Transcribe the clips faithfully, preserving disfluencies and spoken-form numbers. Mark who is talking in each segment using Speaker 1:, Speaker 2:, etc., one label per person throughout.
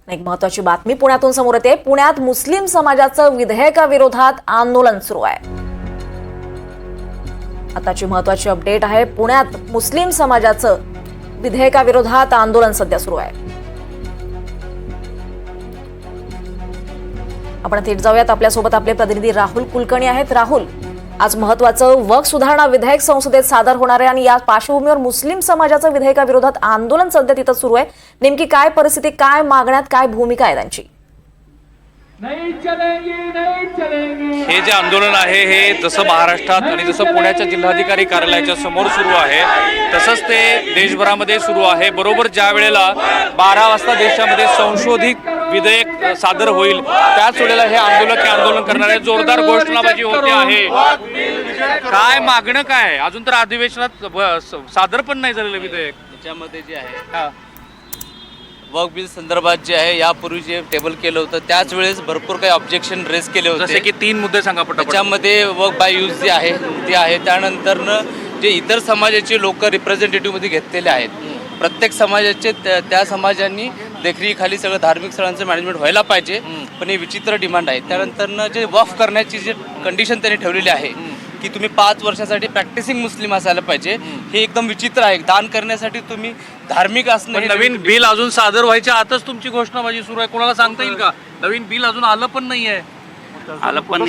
Speaker 1: एक महत्त्वाची बातमी पुण्यातून समोर येते। पुण्यात मुस्लिम समाजाचं विधेयकाविरोधात आंदोलन सुरू आहे। आताची महत्त्वाची अपडेट आहे, पुण्यात मुस्लिम समाजाचं विधेयकाविरोधात आंदोलन सध्या सुरू आहे। आपण थेट जाऊयात, आपल्यासोबत आपले प्रतिनिधी राहुल कुलकर्णी आहेत। राहुल, आज महत्त्वाचं वक्फ सुधारणा विधेयक संसदेत सादर होणार आहे आणि या पार्श्वभूमीवर मुस्लिम समाजाचं विधेयकाविरोधात आंदोलन सध्या तिथं सुरू आहे। नेमकी काय परिस्थिती, काय मागण्यात काय भूमिका आहे त्यांची?
Speaker 2: हे जे आंदोलन आहे हे जसं महाराष्ट्रात आणि जसं पुण्याच्या जिल्हाधिकारी कार्यालयाच्या समोर सुरू आहे तसंच ते देशभरामध्ये सुरू आहे। बरोबर ज्या वेळेला बारा वाजता देशामध्ये संशोधित विधेयक सादर होईल त्याच वेळेला हे आंदोलक हे आंदोलन करणारे जोरदार घोषणाबाजी होते आहे। काय मागणं काय? अजून तर अधिवेशनात सादर पण नाही झालेलं विधेयक।
Speaker 3: त्याच्यामध्ये जे आहे वक्फ बिल संदर्भात जे आहे यापूर्वी जे टेबल केलं होतं त्याच वेळेस भरपूर काही ऑब्जेक्शन रेस केले होते।
Speaker 2: जसे की तीन मुद्दे सांगा पटपट।
Speaker 3: त्याच्यामध्ये वक्फ बाय यूज जे आहे ते आहे, त्यानंतरनं जे इतर समाजाचे लोक रिप्रेझेंटेटिव्हमध्ये घेतलेले आहेत, प्रत्येक समाजाचे त्या समाजांनी देखरेखीखाली सगळं धार्मिक स्थळांचं मॅनेजमेंट व्हायला पाहिजे, पण हे विचित्र डिमांड आहे। त्यानंतरनं जे वक्फ करण्याची जी कंडिशन त्यांनी ठेवलेली आहे की तुम्ही पाच वर्षासाठी प्रॅक्टिसिंग मुस्लिम असायला पाहिजे, हे एकदम विचित्र आहे। दान करण्यासाठी तुम्ही धार्मिक असणं,
Speaker 2: नवीन बिल अजून सादर व्हायच्या आतच तुमची घोषणाबाजी सुरू आहे। कोणाला सांगता येईल का? नवीन बिल अजून आलं पण नाहीये।
Speaker 4: आलं पण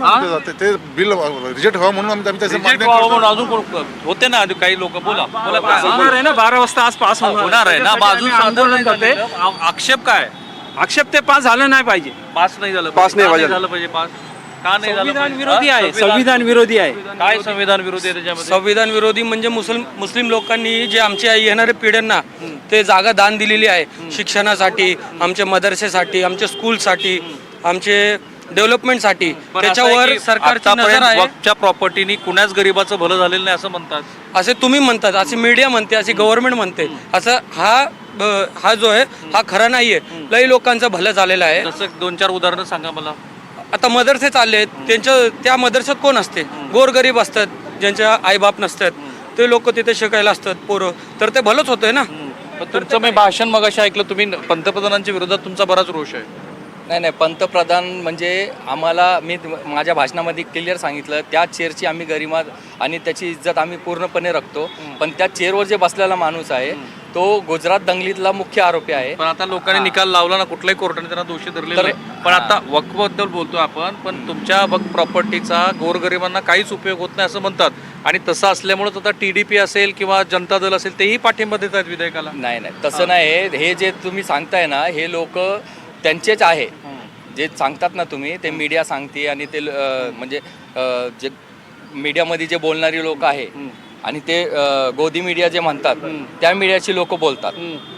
Speaker 4: ते बिल रिजेक्ट व्हावं म्हणून आम्ही त्याची
Speaker 2: रिजेक्ट व्हावं म्हणून अजून कोण होते ना काही लोक? बोला बोला काय
Speaker 5: होणार आहे ना, बारा वाजता आज पास
Speaker 2: होणार आहे ना, बाजू
Speaker 5: आंदोलन करते।
Speaker 2: आक्षेप काय?
Speaker 5: आक्षेप ते पास झालं नाही पाहिजे,
Speaker 2: पास नाही झालं
Speaker 5: पास नाही
Speaker 2: पाहिजे झालं पाहिजे पास का नाही झालं?
Speaker 5: संविधान विरोधी आहे, संविधान विरोधी आहे।
Speaker 2: काय संविधान विरोधी आहे त्याच्यामध्ये?
Speaker 6: संविधान विरोधी म्हणजे मुस्लिम मुस्लिम लोकांनी जे आमच्या येणाऱ्या पिढ्यांना ते जागा दान दिलेली आहे, शिक्षणासाठी, आमच्या मदरसेसाठी, आमच्या स्कूलसाठी, आमचे डेव्हलपमेंटसाठी, त्याच्यावर सरकारची नजर आहे।
Speaker 2: वक्फच्या प्रॉपर्टीनी कुणाच गरीबाचं भलं झालेलं नाही असं म्हणतात,
Speaker 6: असे तुम्ही म्हणतात, असे मीडिया म्हणते, असे गव्हर्नमेंट म्हणते। असं हा हा जो आहे हा खरा नाहीये। लई लोकांचं भलं झालेलं आहे।
Speaker 2: जसं दोन चार उदाहरणं सांगा मला।
Speaker 6: आता मदरसे चालले आहेत, त्यांच्या त्या मदरशात कोण असते? गोरगरीब असतात, ज्यांच्या आईबाप नसतात, ते लोक तिथे शिकायला असतात पोरं, तर ते भलंच होतंय ना।
Speaker 2: तुमचं मी भाषण मगाशी ऐकलं, तुम्ही पंतप्रधानांच्या विरोधात तुमचा बराच रोष आहे।
Speaker 3: नाही नाही पंतप्रधान म्हणजे आम्हाला, मी माझ्या भाषणामध्ये क्लिअर सांगितलं, त्या चेअरची आम्ही गरिमा आणि त्याची इज्जत आम्ही पूर्णपणे राखतो, पण त्या चेअरवर जे बसलेला माणूस आहे तो गुजरात दंगलीतला मुख्य आरोपी आहे।
Speaker 2: पण आता लोकांनी निकाल लावला ना, कुठल्याही कोर्टाने त्यांना दोषी धरले नाही। पण आता वक्फबद्दल बोलतो आपण, पण तुमच्या वक्फ प्रॉपर्टीचा गोरगरिबांना काहीच उपयोग होत नाही असं म्हणतात, आणि तसं असल्यामुळे आता टीडीपी असेल किंवा जनता दल असेल तेही पाठिंबा देत आहेत विधेयकाला।
Speaker 3: नाही नाही तसं नाही, हे जे तुम्ही सांगताय ना हे लोक त्यांचेच आहे, जे सांगतात ना तुम्ही, ते मीडिया सांगते आणि ते म्हणजे जे मीडियामध्ये जे बोलणारी लोक आहे आणि ते गोदी मीडिया जे म्हणतात त्या मीडियाची लोक बोलतात।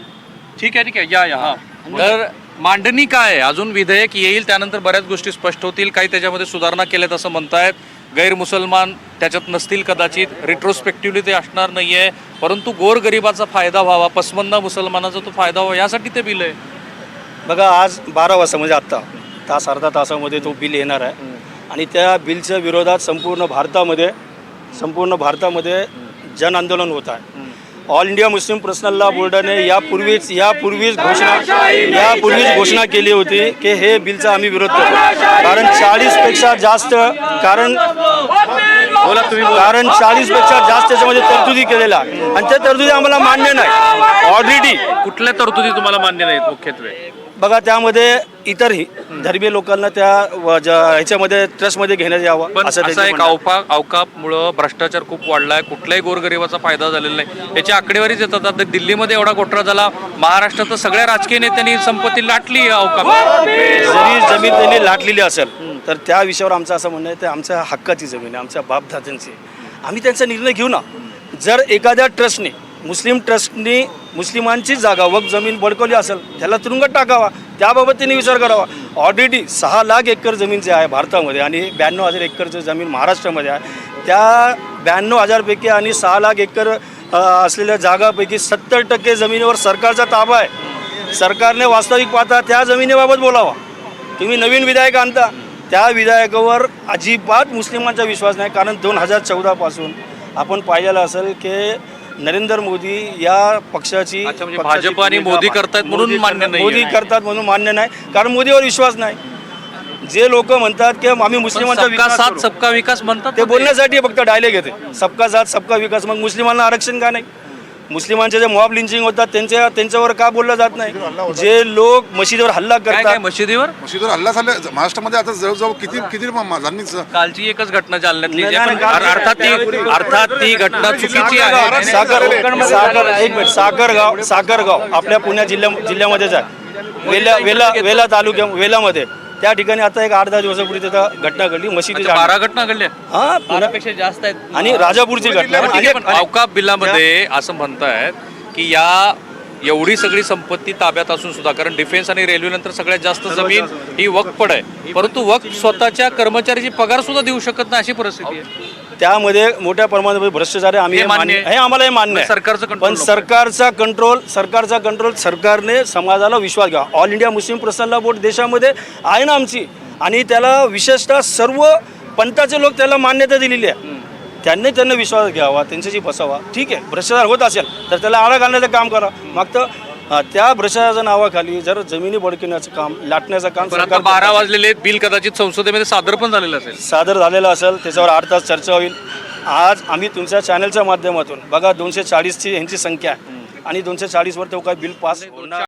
Speaker 2: ठीक आहे ठीक आहे, या या हा। तर मांडणी काय आहे? अजून विधेयक येईल, त्यानंतर बऱ्याच गोष्टी स्पष्ट होतील, काही त्याच्यामध्ये सुधारणा केल्यात असं म्हणतायत। गैर मुसलमान त्याच्यात नसतील कदाचित, रिट्रोस्पेक्टिव्हली ते असणार नाहीये, परंतु गोरगरिबाचा फायदा व्हावा, पसमंदा मुसलमानाचा तो फायदा व्हावा यासाठी ते बिल आहे।
Speaker 7: बघा, आज बारा वाजता म्हणजे आत्ता तास अर्धा तासामध्ये तो बिल येणार आहे आणि त्या बिलच्या विरोधात संपूर्ण भारतामध्ये संपूर्ण भारतामध्ये जन आंदोलन होत आहे। All India Muslim personal law बोर्डाने यापूर्वीच यापूर्वीच घोषणा यापूर्वीच घोषणा केली होती की हे बिलचा आम्ही विरोध करतो, कारण चाळीसपेक्षा जास्त कारण कारण चाळीसपेक्षा जास्त त्याच्यामध्ये तरतुदी केलेल्या आहे आणि त्या तरतुदी आम्हाला मान्य नाही। ऑलरेडी
Speaker 2: कुठल्या तरतुदी तुम्हाला मान्य नाहीत? मुख्यत्वे
Speaker 7: बघा, त्यामध्ये इतरही धर्मीय लोकांना त्या ह्याच्यामध्ये ट्रस्टमध्ये घेण्यात यावं
Speaker 2: पण
Speaker 7: असं
Speaker 2: असा एक अवका अवकापमुळं भ्रष्टाचार खूप वाढलाय, कुठल्याही गोरगरिबाचा फायदा झालेला नाही, याची आकडेवारीच येतात। आता दिल्लीमध्ये एवढा घोटाळा झाला, महाराष्ट्रात सगळ्या राजकीय नेत्यांनी संपत्ती लाटली अवकाप।
Speaker 7: जरी जमीन त्यांनी लाटलेली असेल तर त्या विषयावर आमचं असं म्हणणं आहे, ते आमच्या हक्काची जमीन आहे, आमच्या बापदादांची, आम्ही त्यांचा निर्णय घेऊ ना। जर एखाद्या ट्रस्टने, मुस्लिम ट्रस्टनी मुस्लिमांची जागा वक्फ जमीन बळकवली असेल त्याला तुरुंगात टाकावा, त्याबाबत त्यांनी विचार करावा। ऑलरेडी सहा लाख एकर जमीन जे आहे भारतामध्ये आणि ब्याण्णव हजार एकरचं जमीन महाराष्ट्रामध्ये आहे, त्या ब्याण्णव हजारपैकी आणि सहा लाख एकर असलेल्या जागापैकी सत्तर टक्के जमिनीवर सरकारचा ताबा आहे। सरकारने वास्तविक पाहता त्या जमिनीबाबत बोलावा। तुम्ही नवीन विधेयक आणता, त्या विधेयकावर अजिबात मुस्लिमांचा विश्वास नाही, कारण दोन हजार चौदापासून आपण पाहिलेलं असेल की नरेंद्र मोदी या पक्षाची
Speaker 2: अच्छा, म्हणजे
Speaker 7: पक्षाची
Speaker 2: भाजप आणि
Speaker 7: भूमिका-
Speaker 2: मोदी करतायत म्हणून
Speaker 7: मोदी
Speaker 2: मान्य
Speaker 7: करतात-
Speaker 2: नाहीये.
Speaker 7: मोदी करतात म्हणून मान्य नाही, कारण मोदीवर विश्वास नाही. जे लोक म्हणतात की आम्ही मुस्लिमांचा
Speaker 2: सबका
Speaker 7: विकास
Speaker 2: साथ
Speaker 7: करू,
Speaker 2: सबका विकास म्हणतात
Speaker 7: ते
Speaker 2: ना ते.
Speaker 7: बोलण्यासाठी फक्त डायलेक्ट येते. सबका साथ सबका विकास. मग मुस्लिमांना आरक्षण का नाही? मुस्लिमांचे जे मॉब लिंचिंग होतात त्यांच्या त्यांच्यावर का बोललं जात नाही? जे लोक मशिदीवर हल्ला
Speaker 2: काय काय
Speaker 7: करतात,
Speaker 2: मशिदीवर
Speaker 4: मशिदीवर हल्ला झाला महाराष्ट्रामध्ये आता जवळजवळ किती किती जणांनी
Speaker 2: कालची एकच घटना जालन्यातली
Speaker 7: नाही,
Speaker 2: जी आहे,
Speaker 7: नाही,
Speaker 2: पण
Speaker 7: काल-
Speaker 2: अर्थात ती अर्थात ती घटना चुकीची आहे.
Speaker 7: सागर सागर एक मिनिट सागरगाव सागरगाव आपल्या पुणे जिल्ह्या जिल्ह्यामध्येच आहे. वेला वेला वेला तालुक्या वेलामध्ये त्या ठिकाणी आता एक आठ दहा दिवसापूर्वी तिथं घटना घडली मशिदी
Speaker 2: अच्छा, बारा घटना घडल्या
Speaker 7: हा
Speaker 3: बारापेक्षा जास्त आहेत.
Speaker 7: आणि राजापूरची घटना
Speaker 2: ठीक आहे,
Speaker 7: आणि-
Speaker 2: पण अवकाप बिलामध्ये असं म्हणतायत की या एवढी सगळी संपत्ती ताब्यात असून सुद्धा, कारण डिफेन्स आणि रेल्वे नंतर सगळ्यात जास्त जमीन ही वक्फड आहे, परंतु वक्फ स्वतःच्या कर्मचाऱ्याची पगार सुद्धा देऊ शकत नाही अशी परिस्थिती आहे.
Speaker 7: त्यामध्ये मोठ्या प्रमाणात भ्रष्टाचार आहे. आम्ही
Speaker 2: हे
Speaker 7: हे
Speaker 2: मान्य
Speaker 7: मान्य
Speaker 2: आहे.
Speaker 7: हे आम्हाला हे मान्य आहे.
Speaker 2: सरकारचं control
Speaker 7: पण
Speaker 2: नको.
Speaker 7: सरकारचा कंट्रोल सरकारचा कंट्रोल सरकारने समाजाला विश्वास घ्या. ऑल इंडिया मुस्लिम प्रसन्न बोर्ड देशामध्ये आहे ना आमची, आणि त्याला विशेषतः सर्व पंथाचे लोक त्याला मान्यता दिलेली आहे. त्यांनी त्यांना विश्वास घ्यावा, त्यांच्याशी बसावा. ठीक आहे, भ्रष्टाचार होत असेल तर त्याला आळा घालण्याचं काम करा. मागतं अं, त्या भ्रष्टाचाराच्या नावाखाली जर जमिनी बडकण्याचं काम लाटण्याचं काम
Speaker 2: पण आता
Speaker 7: सरकार
Speaker 2: बारा वाजलेले आहेत, बिल कदाचित संसदेमध्ये सादर पण झालेलं असेल.
Speaker 7: सादर झालेलं असेल, त्याच्यावर आठ तास चर्चा होईल. आज आम्ही तुमच्या चॅनलच्या माध्यमातून बघा दोनशे चाळीसची ह्यांची संख्या आहे आणि दोनशे चाळीसवर तो काय बिल पास होणार